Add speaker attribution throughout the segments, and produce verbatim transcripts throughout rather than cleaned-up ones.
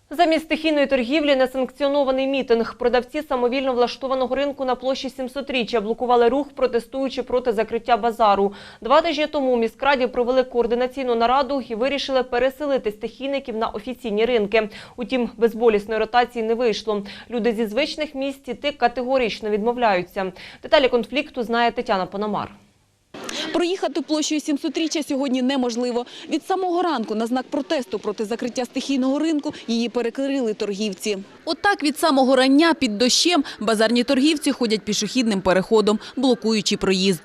Speaker 1: Замість стихійної торгівлі – несанкціонований мітинг. Продавці самовільно влаштованого ринку на площі сімсотріччя блокували рух, протестуючи проти закриття базару. Два тижні тому у міськраді провели координаційну нараду і вирішили переселити стихійників на офіційні ринки. Утім, безболісної ротації не вийшло. Люди зі звичних місць іти категорично відмовляються. Деталі конфлікту знає Тетяна Пономар.
Speaker 2: Проїхати площею сімсотріччя сьогодні неможливо. Від самого ранку на знак протесту проти закриття стихійного ринку її перекрили торгівці. Отак від самого рання під дощем базарні торгівці ходять пішохідним переходом, блокуючи проїзд.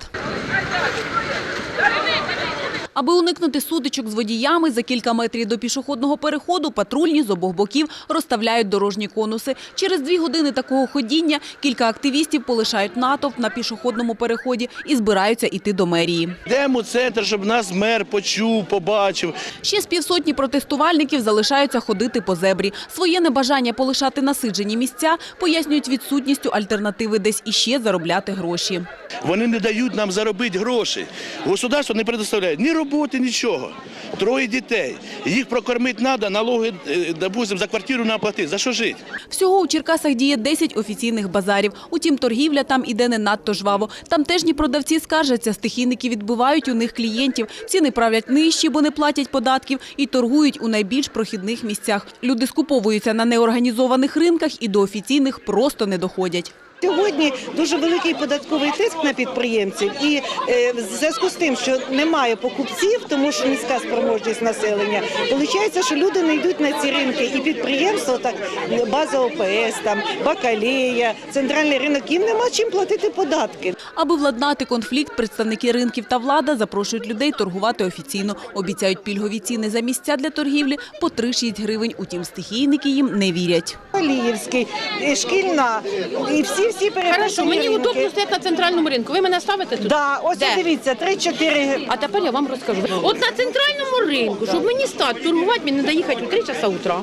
Speaker 2: Аби уникнути сутичок з водіями, за кілька метрів до пішохідного переходу патрульні з обох боків розставляють дорожні конуси. Через дві години такого ходіння кілька активістів полишають натовп на пішохідному переході і збираються йти до мерії.
Speaker 3: Йдемо в центр, щоб нас мер почув, побачив.
Speaker 2: Ще з півсотні протестувальників залишаються ходити по зебрі. Своє небажання полишати насиджені місця пояснюють відсутністю альтернативи десь іще заробляти гроші.
Speaker 3: Вони не дають нам заробити гроші. Государство не предоставляє ні роботи, нічого. Троє дітей. Їх прокормити треба, налоги, допустим, за квартиру не платити. За що жити?
Speaker 2: Всього у Черкасах діє десять офіційних базарів. Утім, торгівля там іде не надто жваво. Тамтежні продавці скаржаться, стихійники відбивають у них клієнтів. Ціни правлять нижчі, бо не платять податків, і торгують у найбільш прохідних місцях. Люди скуповуються на неорганізованих ринках і до офіційних просто не доходять.
Speaker 4: Сьогодні дуже великий податковий тиск на підприємців і е, в зв'язку з тим, що немає покупців, тому що низька спроможність населення, виходить, що люди не йдуть на ці ринки і підприємства, так база О Пе Ес, там, Бакалея, центральний ринок, їм нема чим платити податки.
Speaker 2: Аби владнати конфлікт, представники ринків та влада запрошують людей торгувати офіційно. Обіцяють пільгові ціни за місця для торгівлі по три-шість гривень, утім стихійники їм не вірять.
Speaker 4: Аліївський, Шкільна і всі всі
Speaker 5: Хорошо, мені удобно стояти на центральному ринку. Ви мене ставите тут?
Speaker 4: Да, ось
Speaker 5: Де?
Speaker 4: дивіться, три-чотири.
Speaker 5: А тепер я вам розкажу. От на центральному ринку, щоб мені стати торгувати, мені треба їхати у три часа утра.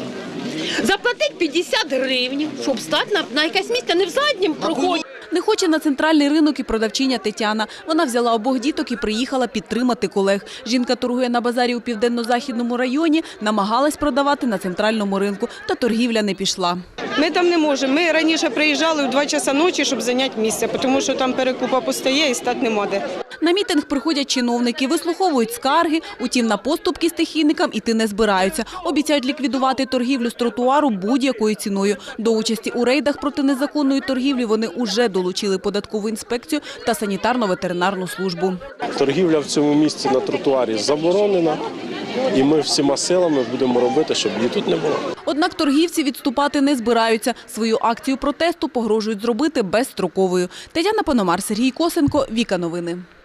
Speaker 5: Заплатити п'ятдесят гривень, щоб стати на, на якесь місце, не в заднім проході.
Speaker 2: Не хоче на центральний ринок і продавчиня Тетяна. Вона взяла обох діток і приїхала підтримати колег. Жінка торгує на базарі у Південно-Західному районі, намагалась продавати на центральному ринку, та торгівля не пішла.
Speaker 6: Ми там не можемо. Ми раніше приїжджали в два часа ночі, щоб зайняти місце, тому що там перекупа постає і стати нема де.
Speaker 2: На мітинг приходять чиновники, вислуховують скарги, утім на поступки стихійникам іти не збираються. Обіцяють ліквідувати торгівлю з тротуару будь-якою ціною. До участі у рейдах проти незаконної торгівлі вони уже долучили податкову інспекцію та санітарно-ветеринарну службу.
Speaker 7: Торгівля в цьому місці на тротуарі заборонена, і ми всіма силами будемо робити, щоб її тут не було.
Speaker 2: Однак торгівці відступати не збираються. Свою акцію протесту погрожують зробити безстроковою. Тетяна Пономар, Сергій Косенко, Віка Новини.